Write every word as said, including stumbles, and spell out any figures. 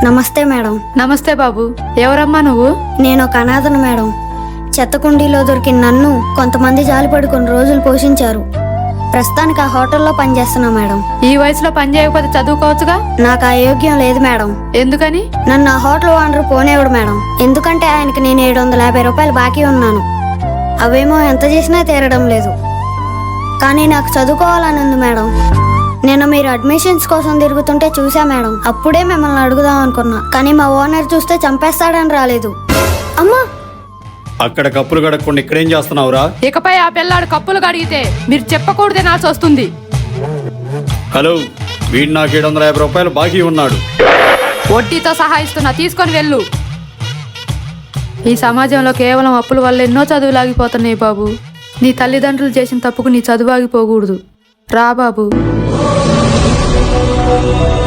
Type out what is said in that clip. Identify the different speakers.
Speaker 1: నమస్తే మేడం.
Speaker 2: నమస్తే బాబు. ఎవరమ్మా నువ్వు?
Speaker 1: నేను ఒక అనాథను మేడం. చెత్త కుండీలో దొరికిన నన్ను కొంతమంది జాలిపడి కొన్ని రోజులు పోషించారు. ప్రస్తుతానికి ఆ హోటల్లో పనిచేస్తున్నా మేడం.
Speaker 2: ఈ వయసులో పని చేయకపోతే చదువుకోవచ్చుగా.
Speaker 1: నాకు ఆ యోగ్యం లేదు మేడం.
Speaker 2: ఎందుకని?
Speaker 1: నన్ను ఆ హోటల్ ఓనర్ పోనేవాడు మేడం. ఎందుకంటే ఆయనకి నేను ఏడు వందల యాభై రూపాయలు బాకీ ఉన్నాను. అవేమో ఎంత చేసినా తీరడం లేదు. కానీ నాకు చదువుకోవాలని ఉంది మేడం. నేను మీరు అడ్మిషన్స్ కోసం తిరుగుతుంటే చూసా మేడం. అప్పుడే మిమ్మల్ని అడుగుదాం అనుకున్నా, కానీ మా ఓనర్ చూస్తే చంపేస్తాడని రాలేదు. అమ్మా,
Speaker 3: అక్కడ కప్పులు కడగకుండా ఇక్కడేం చేస్తున్నావురా?
Speaker 2: ఇకపై ఆ పిల్లాడు కప్పులు కడిగితే మీరు చెప్పకూడదే నాల్సి వస్తుంది.
Speaker 3: హలో, వీడు నాకు ఏడు వందల యాభై రూపాయలు బాకీ ఉన్నాడు.
Speaker 2: వడ్డీతో సహా ఇస్తున్నా, తీసుకొని వెళ్ళు. ఈ సమాజంలో కేవలం అప్పుల వల్ల ఎన్నో చదువులు ఆగిపోతున్నాయి బాబు. నీ తల్లిదండ్రులు చేసిన తప్పుకు నీ చదువు ఆగిపోకూడదు. రా బాబు.